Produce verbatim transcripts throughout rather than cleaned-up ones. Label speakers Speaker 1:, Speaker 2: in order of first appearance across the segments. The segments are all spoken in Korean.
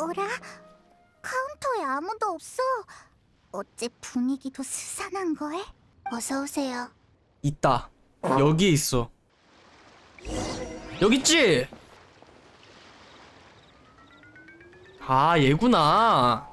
Speaker 1: 어라? 카운터에 아무도 없어. 어째 분위기도 스산한 거에? 어서 오세요.
Speaker 2: 있다. 여기에 있어. 여기 있지? 아, 얘구나.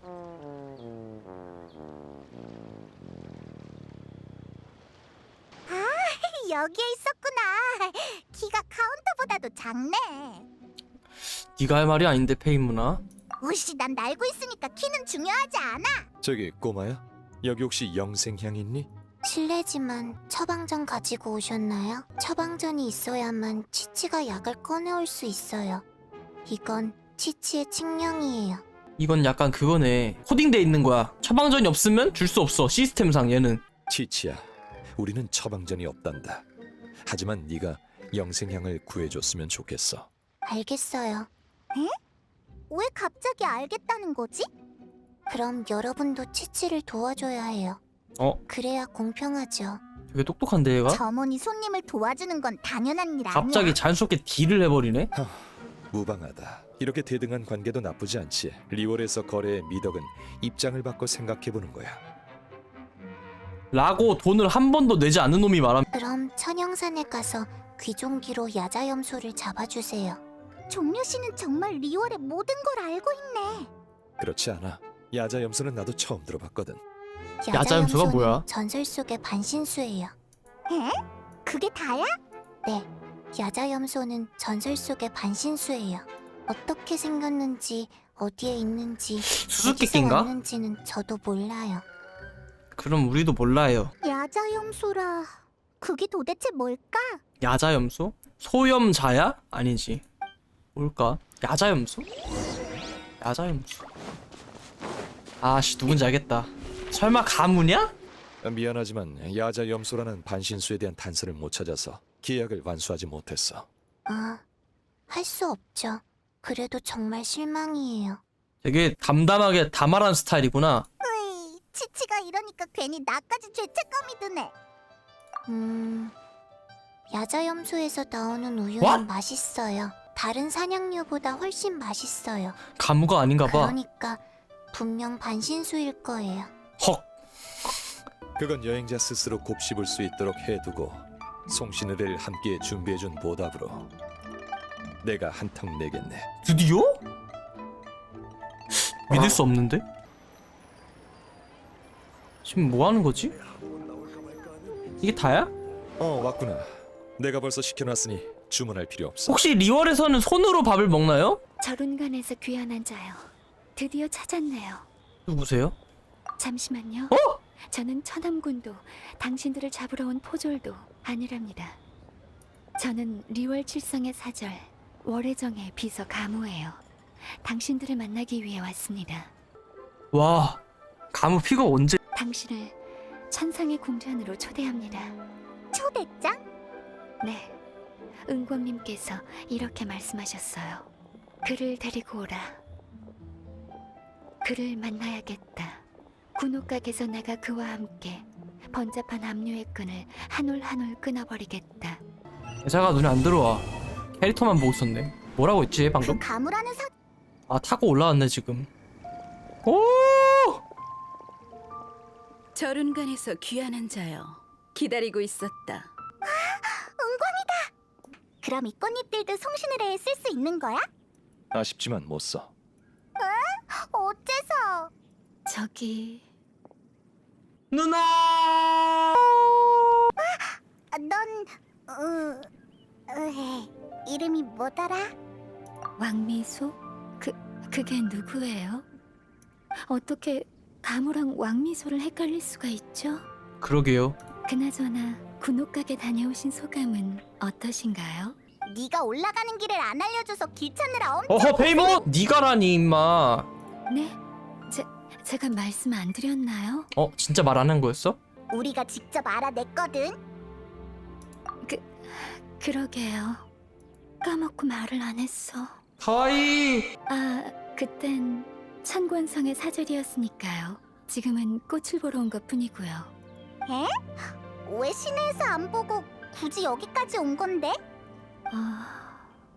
Speaker 1: 여기에 있었구나. 키가 카운터보다도 작네.
Speaker 2: 네가 할 말이 아닌데, 페이문아.
Speaker 1: 우씨, 난 날고 있으니까 키는 중요하지 않아.
Speaker 3: 저기 꼬마야, 여기 혹시 영생향 있니?
Speaker 1: 실례지만 처방전 가지고 오셨나요? 처방전이 있어야만 치치가 약을 꺼내올 수 있어요. 이건 치치의 칙령이에요.
Speaker 2: 이건 약간 그거네. 코딩돼 있는 거야. 처방전이 없으면 줄 수 없어. 시스템상 얘는.
Speaker 3: 치치야, 우리는 처방전이 없단다. 하지만 네가 영생향을 구해줬으면 좋겠어.
Speaker 1: 알겠어요. 에? 왜 갑자기 알겠다는 거지? 그럼 여러분도 치치를 도와줘야 해요.
Speaker 2: 어?
Speaker 1: 그래야 공평하죠.
Speaker 2: 되게 똑똑한데 얘가?
Speaker 1: 점원이 손님을 도와주는 건 당연한 일 아니야.
Speaker 2: 갑자기 자연스럽게 딜을 해버리네?
Speaker 3: 무방하다. 이렇게 대등한 관계도 나쁘지 않지. 리월에서 거래의 미덕은 입장을 바꿔 생각해보는 거야.
Speaker 2: 라고 돈을 한 번도 내지 않는 놈이 말하면
Speaker 1: 그럼 천영산에 가서 귀종기로 야자염소를 잡아주세요. 종려 씨는 정말 리월의 모든 걸 알고 있네.
Speaker 3: 그렇지 않아. 야자염소는 나도 처음 들어봤거든.
Speaker 2: 야자염소가 뭐야?
Speaker 1: 전설 속의 반신수예요. 에? 그게 다야? 네. 야자염소는 전설 속의 반신수예요. 어떻게 생겼는지, 어디에 있는지, 어디서
Speaker 2: 수수께끼인가?
Speaker 1: 왔는지는 저도 몰라요.
Speaker 2: 그럼 우리도 몰라요.
Speaker 1: 야자염소라... 그게 도대체 뭘까?
Speaker 2: 야자염소? 소염자야? 아니지. 뭘까? 야자염소? 야자염소. 아씨, 누군지 알겠다. 설마 가문이야?
Speaker 3: 미안하지만 야자염소라는 반신수에 대한 단서를 못 찾아서 계약을 완수하지 못했어.
Speaker 1: 아, 할 수 없죠. 그래도 정말 실망이에요.
Speaker 2: 되게 담담하게 다 말하는 스타일이구나.
Speaker 1: 으이, 치치가 이러니까 괜히 나까지 죄책감이 드네. 음... 야자염소에서 나오는 우유는
Speaker 2: What?
Speaker 1: 맛있어요. 다른 사냥류보다 훨씬 맛있어요.
Speaker 2: 가무가 아닌가 봐.
Speaker 1: 그러니까 분명 반신수일 거예요.
Speaker 2: 헉.
Speaker 3: 그건 여행자 스스로 곱씹을 수 있도록 해두고 송신의를 함께 준비해준 보답으로 내가 한턱 내겠네.
Speaker 2: 드디어? 믿을 수 없는데? 지금 뭐 하는 거지? 이게 다야?
Speaker 3: 어, 왔구나. 내가 벌써 시켜놨으니 주문할 필요 없어.
Speaker 2: 혹시 리월에서는 손으로 밥을 먹나요?
Speaker 4: 저룬간에서 귀환한 자요. 드디어 찾았네요.
Speaker 2: 누구세요?
Speaker 4: 잠시만요.
Speaker 2: 어?
Speaker 4: 저는 천암군도 당신들을 잡으러 온 포졸도 아니랍니다. 저는 리월 칠성의 사절 월혜정의 비서 가무예요. 당신들을 만나기 위해 왔습니다.
Speaker 2: 와, 가무 피가 언제?
Speaker 4: 당신을 천상의 궁전으로 초대합니다.
Speaker 1: 초대장?
Speaker 4: 네, 은광님께서 이렇게 말씀하셨어요. 그를 데리고 오라. 그를 만나야겠다. 군옥각에서 내가 그와 함께 번잡한 압류의 끈을 한 올 한 올 끊어버리겠다.
Speaker 2: 여자가 눈에 안 들어와. 캐릭터만 보고 있었네. 뭐라고 했지 방금?
Speaker 1: 그 가무라는 사...
Speaker 2: 아, 타고 올라왔네 지금. 오!
Speaker 5: 저룬간에서 귀환한 자여, 기다리고 있었다.
Speaker 1: 그럼 이 꽃잎들도 송신의뢰에 쓸 수 있는 거야?
Speaker 3: 아쉽지만 못 써.
Speaker 1: 어째서?
Speaker 4: 저기...
Speaker 2: 누나!
Speaker 1: 아, 넌... 어... 으... 이름이 뭐더라?
Speaker 4: 왕미소? 그... 그게 누구예요? 어떻게 가무랑 왕미소를 헷갈릴 수가 있죠?
Speaker 2: 그러게요.
Speaker 4: 그나저나 군옥각에 다녀오신 소감은 어떠신가요?
Speaker 1: 네가 올라가는 길을 안 알려줘서 길 찾느라 엄청...
Speaker 2: 어허, 페이몬! 니가라니 임마.
Speaker 4: 네? 제, 제가 말씀 안 드렸나요?
Speaker 2: 어, 진짜 말 안 한 거였어?
Speaker 1: 우리가 직접 알아냈거든.
Speaker 4: 그... 그러게요. 까먹고 말을 안 했어.
Speaker 2: 가와이.
Speaker 4: 아, 그땐 천권성의 사절이었으니까요. 지금은 꽃을 보러 온 것뿐이고요.
Speaker 1: 에? 왜 시내에서 안 보고 굳이 여기까지 온 건데?
Speaker 4: 어...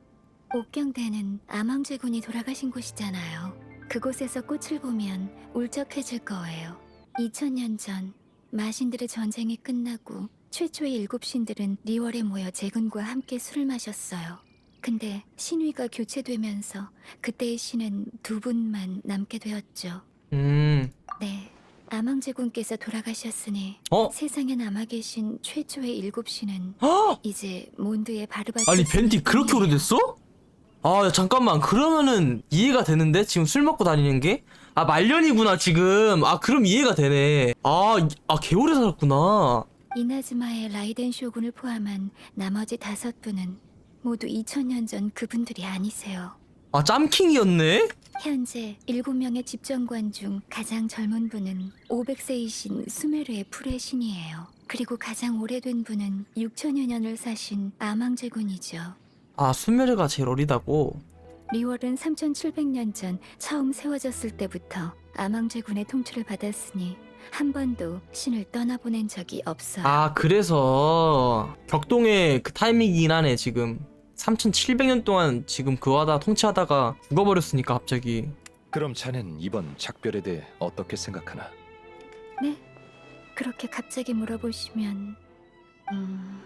Speaker 4: 옥경대는 암왕제군이 돌아가신 곳이잖아요. 그곳에서 꽃을 보면 울적해질 거예요. 이천 년 전 마신들의 전쟁이 끝나고 최초의 일곱 신들은 리월에 모여 제군과 함께 술을 마셨어요. 근데 신위가 교체되면서 그때의 신은 두 분만 남게 되었죠.
Speaker 2: 음.
Speaker 4: 네, 암왕제군께서 돌아가셨으니
Speaker 2: 어?
Speaker 4: 세상에 남아 계신 최초의 일곱 신은
Speaker 2: 헉!
Speaker 4: 이제 몬드의 바르바트.
Speaker 2: 아니 벤티 그렇게 오래됐어? 아 야, 잠깐만 그러면은 이해가 되는데 지금 술 먹고 다니는 게? 아 말년이구나 지금. 아 그럼 이해가 되네. 아, 이- 아 개오래 살았구나.
Speaker 4: 이나즈마의 라이덴 쇼군을 포함한 나머지 다섯 분은 모두 이천 년 전 그분들이 아니세요.
Speaker 2: 아 짬킹이었네?
Speaker 4: 현재 일곱 명의 집정관 중 가장 젊은 분은 오백 세이신 수메르의 풀의 신이에요. 그리고 가장 오래된 분은 육천여 년을 사신 암왕제군이죠.
Speaker 2: 아 수메르가 제일 어리다고?
Speaker 4: 리월은 삼천칠백 년 전 처음 세워졌을 때부터 암왕제군의 통치를 받았으니 한 번도 신을 떠나보낸 적이 없어요.
Speaker 2: 아 그래서 격동의 그 타이밍이긴 하네 지금. 삼천칠백 년 동안 지금 그 하다 통치하다가 죽어버렸으니까 갑자기.
Speaker 3: 그럼 자넨 이번 작별에 대해 어떻게 생각하나?
Speaker 4: 네? 그렇게 갑자기 물어보시면 음...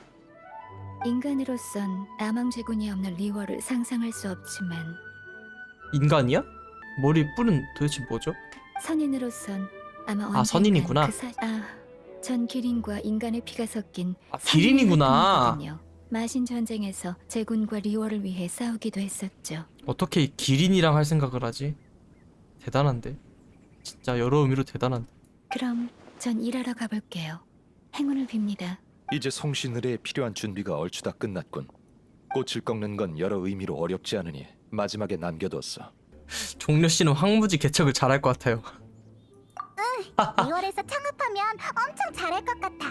Speaker 4: 인간으로선 암왕제군이 없는 리월을 상상할 수 없지만
Speaker 2: 인간이야? 머리 뿔은 도대체 뭐죠?
Speaker 4: 선인으로선 아마
Speaker 2: 아,
Speaker 4: 언젠간
Speaker 2: 선인이구나.
Speaker 4: 그 사... 아, 전 기린과 인간의 피가 섞인
Speaker 2: 아 기린이구나.
Speaker 4: 선인의 마신 전쟁에서 제군과 리월을 위해 싸우기도 했었죠.
Speaker 2: 어떻게 기린이랑 할 생각을 하지? 대단한데. 진짜 여러 의미로 대단한데.
Speaker 4: 그럼 전 일하러 가볼게요. 행운을 빕니다.
Speaker 3: 이제 송신의뢰에 필요한 준비가 얼추 다 끝났군. 꽃을 꺾는 건 여러 의미로 어렵지 않으니 마지막에 남겨뒀어.
Speaker 2: 종려 씨는 황무지 개척을 잘할 것 같아요.
Speaker 1: 리월에서 창업하면 엄청 잘할 것 같아.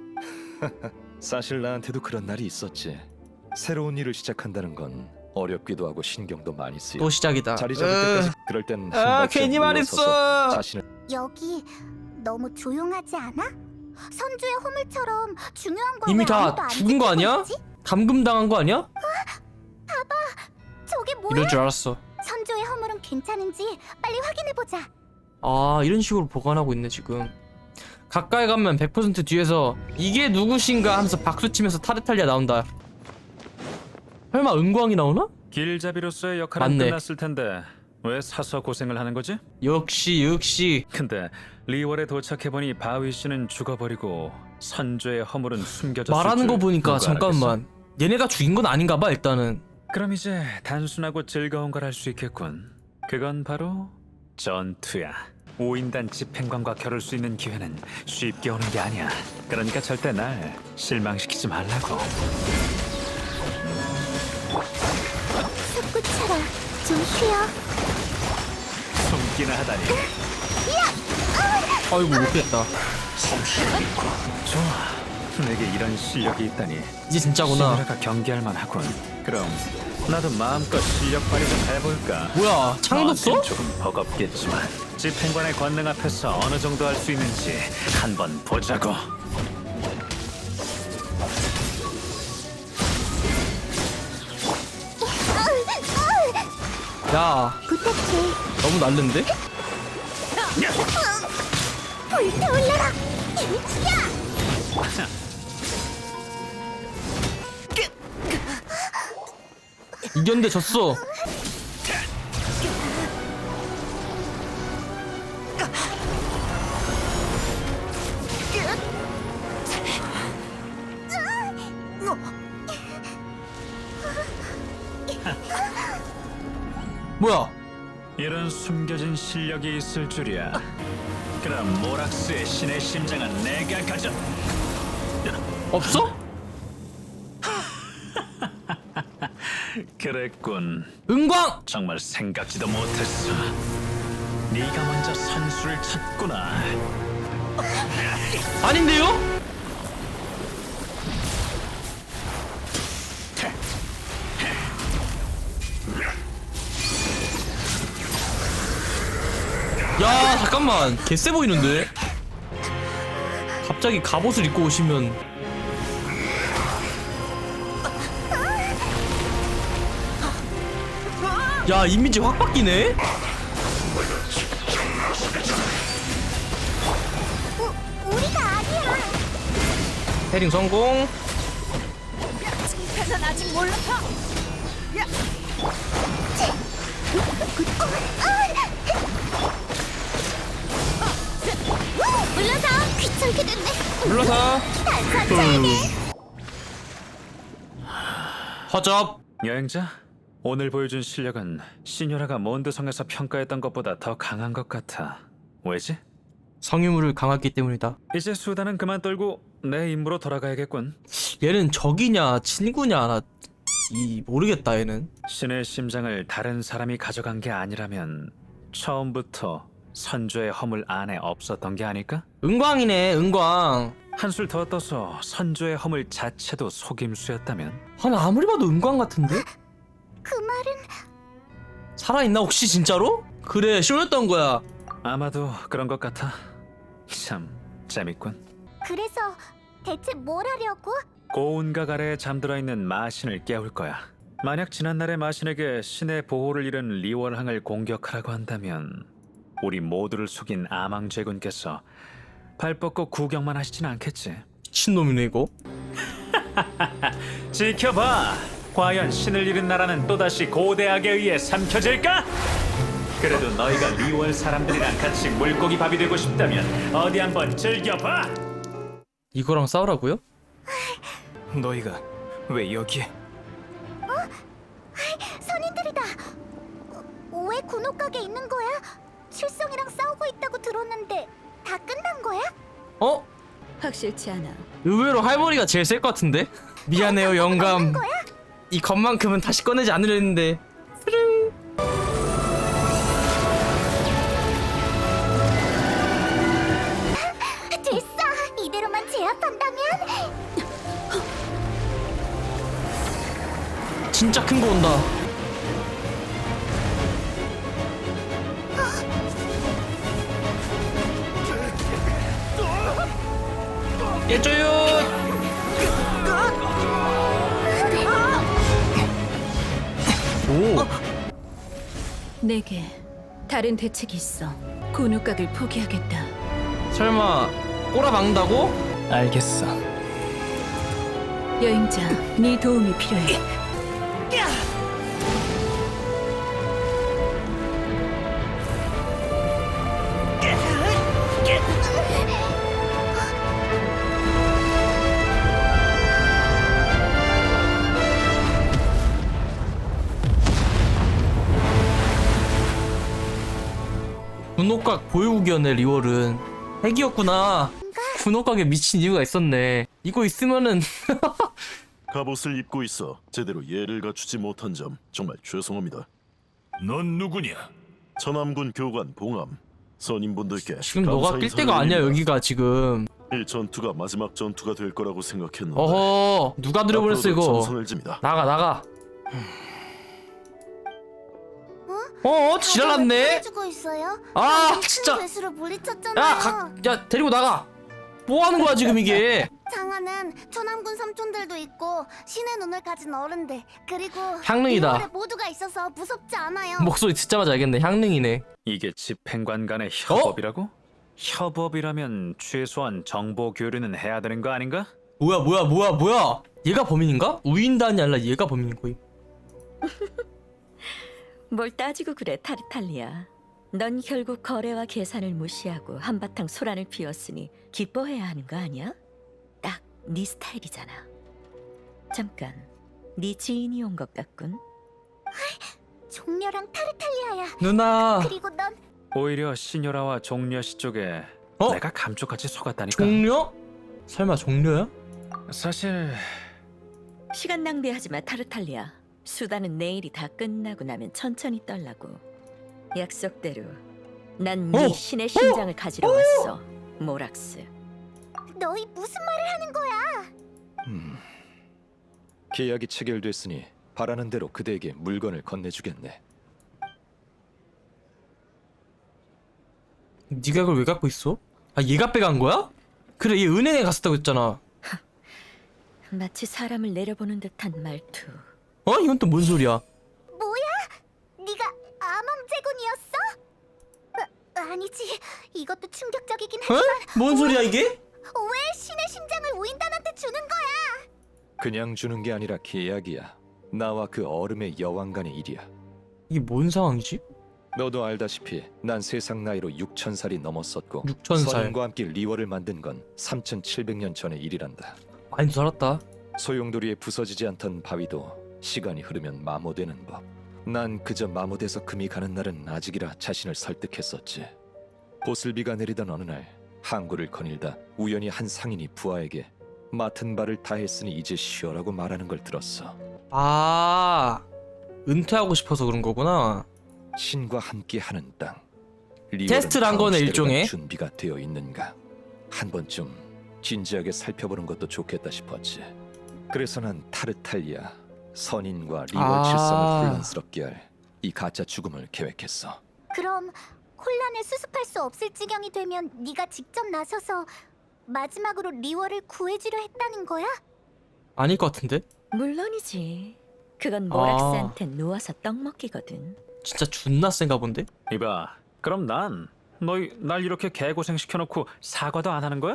Speaker 3: 사실 나한테도 그런 날이 있었지. 새로운 일을 시작한다는 건 어렵기도 하고 신경도 많이 쓰여.
Speaker 2: 또 시작이다.
Speaker 3: 자리 잡을 때까지 그럴 땐 한
Speaker 2: 아
Speaker 3: 발짝
Speaker 2: 괜히
Speaker 3: 물러서서
Speaker 2: 말했어.
Speaker 3: 자신을
Speaker 1: 여기 너무 조용하지 않아? 선주의 허물처럼 중요한 걸
Speaker 2: 이미
Speaker 1: 왜
Speaker 2: 다
Speaker 1: 아무도 안
Speaker 2: 죽은 거
Speaker 1: 지키고
Speaker 2: 아니야?
Speaker 1: 있지?
Speaker 2: 감금 당한 거 아니야?
Speaker 1: 저게 뭐야?
Speaker 2: 이럴 줄 알았어.
Speaker 1: 선주의 허물은 괜찮은지 빨리 확인해보자.
Speaker 2: 아 이런 식으로 보관하고 있네 지금. 가까이 가면 백 퍼센트 뒤에서 이게 누구신가 하면서 박수치면서 타르탈리아 나온다. 설마 은광이 나오나?
Speaker 6: 길잡이로서의 역할은
Speaker 2: 맞네.
Speaker 6: 끝났을 텐데 왜 사서 고생을 하는 거지?
Speaker 2: 역시 역시.
Speaker 6: 근데 리월에 도착해보니 바위 씨는 죽어버리고 선조의 허물은 숨겨졌을
Speaker 2: 말하는 거
Speaker 6: 줄
Speaker 2: 보니까
Speaker 6: 누가
Speaker 2: 잠깐만 얘네가 죽인 건 아닌가 봐 일단은.
Speaker 6: 알았겠어? 그럼 이제 단순하고 즐거운 걸 할 수 있겠군. 그건 바로 전투야. 오인단 집행관과 겨룰 수 있는 기회는 쉽게 오는 게 아니야. 그러니까 절대 날 실망시키지 말라고.
Speaker 1: 솟구쳐라. 좀 쉬어.
Speaker 6: 숨기나 하다니.
Speaker 2: 아이고 못했다.
Speaker 6: 좋아. 내게 이런 실력이 있다니.
Speaker 2: 이제 진짜구나.
Speaker 6: 시무라가 경기할 만하군. 그럼 나도 마음껏 실력 발휘 좀 해볼까?
Speaker 2: 뭐야 창도 써?
Speaker 6: 너한텐 조금 버겁겠지만 집행관의 권능 앞에서 어느 정도 할 수 있는지 한번 보자고.
Speaker 2: 야
Speaker 1: 부탁해.
Speaker 2: 너무 날른데?
Speaker 1: 불타올라라. 야!
Speaker 2: 이겼는데 졌어. 뭐야?
Speaker 6: 이런 숨겨진 실력이 있을 줄이야. 그럼 모락스의 신의 심장은 내가 가져.
Speaker 2: 없어?
Speaker 6: 그랬군.
Speaker 2: 은광!
Speaker 6: 정말 생각지도 못했어. 네가 먼저 선수를 쳤구나.
Speaker 2: 아닌데요? 야 잠깐만 개쎄 보이는데? 갑자기 갑옷을 입고 오시면 야 이미지 확 바뀌네.
Speaker 1: 우, 우리가 아니야.
Speaker 2: 패링 성공.
Speaker 5: 난 아직 몰라.
Speaker 1: 물러서. 귀찮게 됐네.
Speaker 2: 불러서.
Speaker 1: 단사자네.
Speaker 2: 허접.
Speaker 6: 여행자, 오늘 보여준 실력은 시녀라가 몬드성에서 평가했던 것보다 더 강한 것 같아. 왜지?
Speaker 2: 성유물을 강화했기 때문이다.
Speaker 6: 이제 수다는 그만 떨고 내 임무로 돌아가야겠군.
Speaker 2: 얘는 적이냐 친구냐 나 이 모르겠다 얘는.
Speaker 6: 신의 심장을 다른 사람이 가져간 게 아니라면 처음부터 선조의 허물 안에 없었던 게 아닐까?
Speaker 2: 은광이네 은광.
Speaker 6: 한술 더 떠서 선조의 허물 자체도 속임수였다면?
Speaker 2: 아니 아무리 봐도 은광 같은데?
Speaker 1: 그 말은
Speaker 2: 살아있나 혹시 진짜로? 그래 쇼였던 거야.
Speaker 6: 아마도 그런 것 같아. 참 재밌군.
Speaker 1: 그래서 대체 뭘 하려고?
Speaker 6: 고운각 아래에 잠들어 있는 마신을 깨울 거야. 만약 지난날의 마신에게 신의 보호를 잃은 리월항을 공격하라고 한다면 우리 모두를 속인 아망제군께서 발 뻗고 구경만 하시진 않겠지.
Speaker 2: 미친놈이네 이거.
Speaker 6: 지켜봐. 과연 신을 잃은 나라는 또다시 고대악에 의해 삼켜질까? 그래도 너희가 리월 사람들이랑 같이 물고기 밥이 되고 싶다면 어디 한번 즐겨봐.
Speaker 2: 이거랑 싸우라고요?
Speaker 7: 너희가 왜 여기에?
Speaker 1: 선인들이다. 어, 왜 군옥각에 있는 거야? 칠성이랑 싸우고 있다고 들었는데 다 끝난 거야?
Speaker 2: 어?
Speaker 5: 확실치 않아.
Speaker 2: 의외로 할머니가 제일 셀 것 같은데? 미안해요 영감. 이 것만큼은 다시 꺼내지 않으려 했는데. 스릉.
Speaker 1: 됐어. 이대로만 제압한다면
Speaker 2: 진짜 큰 거 온다. 깨줘요. 오.
Speaker 5: 내게 다른 대책이 있어. 군옥각을 포기하겠다.
Speaker 2: 설마 꼬라박는다고?
Speaker 7: 알겠어.
Speaker 5: 여행자, 네 도움이 필요해.
Speaker 2: 군옥각 보유국이었네 리월은. 핵이었구나. 군옥각에 미친 이유가 있었네. 이거 있으면은
Speaker 8: 갑옷을 입고 있어 제대로 예를 갖추지 못한 점 정말 죄송합니다.
Speaker 9: 넌 누구냐?
Speaker 8: 천암군 교관 봉암 선임분들께
Speaker 2: 지금 너가
Speaker 8: 감사
Speaker 2: 낄
Speaker 8: 인사를
Speaker 2: 때가 아니야
Speaker 8: 드립니다.
Speaker 2: 여기가 지금.
Speaker 8: 이 전투가 마지막 전투가 될 거라고 생각했는데
Speaker 2: 어허 누가 들어버렸어
Speaker 8: 앞으로도
Speaker 2: 이거.
Speaker 8: 정성을 집니다.
Speaker 2: 나가 나가. 어 지랄났네.
Speaker 1: 해주고 있어요.
Speaker 2: 아
Speaker 1: 방금
Speaker 2: 진짜.
Speaker 1: 큰 괴수를 물리쳤잖아요.
Speaker 2: 야, 각, 야 데리고 나가. 뭐 하는 거야 지금 이게?
Speaker 1: 장하는 천암군 삼촌들도 있고 신의 눈을 가진 어른들 그리고
Speaker 2: 향릉이다.
Speaker 1: 리월에 모두가 있어서 무섭지 않아요.
Speaker 2: 목소리 듣자마자 알겠네. 향릉이네.
Speaker 6: 이게 집행관 간의 협업이라고? 협업이라면 최소한 정보 교류는 해야 되는 거 아닌가?
Speaker 2: 뭐야 뭐야 뭐야 뭐야? 얘가 범인인가? 우인단이 아니라 얘가 범인인 거임.
Speaker 10: 뭘 따지고 그래, 타르탈리아. 넌 결국 거래와 계산을 무시하고 한바탕 소란을 피웠으니 기뻐해야 하는 거 아니야? 딱 네 스타일이잖아. 잠깐, 네 지인이 온 것 같군.
Speaker 1: 종려랑 타르탈리아야.
Speaker 2: 누나.
Speaker 1: 그리고 넌
Speaker 6: 오히려 시녀라와 종려씨 쪽에
Speaker 2: 어?
Speaker 6: 내가 감쪽같이 속았다니까.
Speaker 2: 종려? 설마 종려야?
Speaker 6: 사실
Speaker 10: 시간 낭비하지 마, 타르탈리아. 수다는 내일이 다 끝나고 나면 천천히 떨라고. 약속대로 난 네
Speaker 2: 어?
Speaker 10: 신의 심장을 가지러 왔어, 모락스.
Speaker 1: 너희 무슨 말을 하는 거야?
Speaker 3: 음, 계약이 체결됐으니 바라는 대로 그대에게 물건을 건네주겠네.
Speaker 2: 네가 이걸 왜 갖고 있어? 아 얘가 빼간 거야? 그래 얘 은행에 갔었다고 했잖아.
Speaker 10: 마치 사람을 내려보는 듯한 말투.
Speaker 2: 어? 이건 또 뭔 소리야?
Speaker 1: 뭐야? 네가 아니지. 이것도 충격적이긴
Speaker 2: 어?
Speaker 1: 하지만
Speaker 2: 뭔 소리야 이게?
Speaker 1: 왜 신의 심장을 우인단한테 주는 거야?
Speaker 3: 그냥 주는 게 아니라 계약이야. 나와 그 얼음의 여왕 간의 일이야.
Speaker 2: 이게 뭔 상황이지?
Speaker 3: 너도 알다시피 난 세상 나이로 육천 살이 넘었었고
Speaker 2: 육천 살.
Speaker 3: 선인과 함께 리월을 만든 건 삼천칠백 년 전의 일이란다.
Speaker 2: 많이 살았다.
Speaker 3: 소용돌이에 부서지지 않던 바위도 시간이 흐르면 마모되는 법. 난 그저 마모돼서 금이 가는 날은 아직이라 자신을 설득했었지. 보슬비가 내리던 어느 날 항구를 거닐다 우연히 한 상인이 부하에게 맡은 바를 다 했으니 이제 쉬어라고 말하는 걸 들었어.
Speaker 2: 아 은퇴하고 싶어서 그런 거구나.
Speaker 3: 신과 함께하는 땅. 리월은
Speaker 2: 테스트를 한
Speaker 3: 다음
Speaker 2: 거네,
Speaker 3: 시대를
Speaker 2: 일종의.
Speaker 3: 갈 준비가 되어 있는가. 한 번쯤 진지하게 살펴보는 것도 좋겠다 싶었지. 그래서 난 타르탈리아 선인과 리월
Speaker 2: 아.
Speaker 3: 칠성을 혼란스럽게 할 이 가짜 죽음을 계획했어.
Speaker 1: 그럼 혼란을 수습할 수 없을 지경이 되면 네가 직접 나서서 마지막으로 리월을 구해주려 했다는 거야?
Speaker 2: 아닐 것 같은데?
Speaker 10: 물론이지. 그건
Speaker 2: 아.
Speaker 10: 모락스한텐 누워서 떡 먹기거든.
Speaker 2: 진짜 존나 센가 본데?
Speaker 6: 이봐, 그럼 난 너희 날 이렇게 개고생 시켜놓고 사과도 안 하는 거야?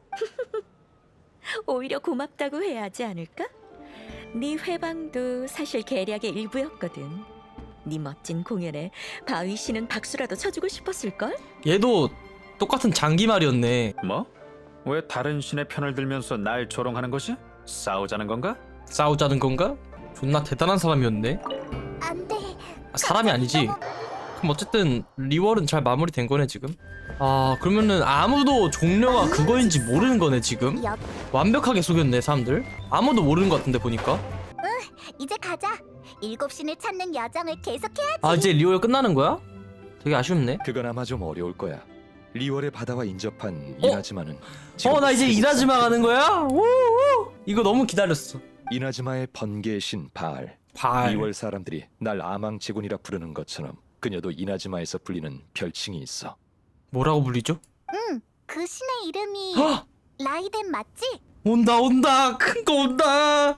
Speaker 10: 오히려 고맙다고 해야 하지 않을까? 네 회방도 사실 계략의 일부였거든. 네 멋진 공연에 바위 씨는 박수라도 쳐주고 싶었을걸?
Speaker 2: 얘도 똑같은 장기말이었네.
Speaker 6: 뭐? 왜 다른 신의 편을 들면서 날 조롱하는 거지? 싸우자는 건가?
Speaker 2: 싸우자는 건가? 존나 대단한 사람이었네.
Speaker 1: 안 돼.
Speaker 2: 아, 사람이 아니지. 그럼 어쨌든 리월은 잘 마무리된 거네 지금. 아 그러면은 아무도 종료가 그거인지 모르는 거네 지금.
Speaker 1: 여...
Speaker 2: 완벽하게 속였네 사람들. 아무도 모르는 것 같은데 보니까.
Speaker 1: 이제 가자. 일곱 신을 찾는 여정을 계속해야지.
Speaker 2: 아 이제 리월 끝나는 거야? 되게 아쉽네.
Speaker 3: 그건 아마 좀 어려울 거야. 리월의 바다와 인접한
Speaker 2: 어?
Speaker 3: 이나즈마는
Speaker 2: 어 나 이제 이나즈마 가는 거야? 오오 이거 너무 기다렸어.
Speaker 3: 이나즈마의 번개의 신 바알.
Speaker 2: 발.
Speaker 3: 리월 사람들이 날 아망제군이라 부르는 것처럼 그녀도 이나즈마에서 불리는 별칭이 있어.
Speaker 2: 뭐라고 불리죠?
Speaker 1: 응. 그 신의 이름이
Speaker 2: 헉!
Speaker 1: 라이덴 맞지?
Speaker 2: 온다 온다 큰 거 온다.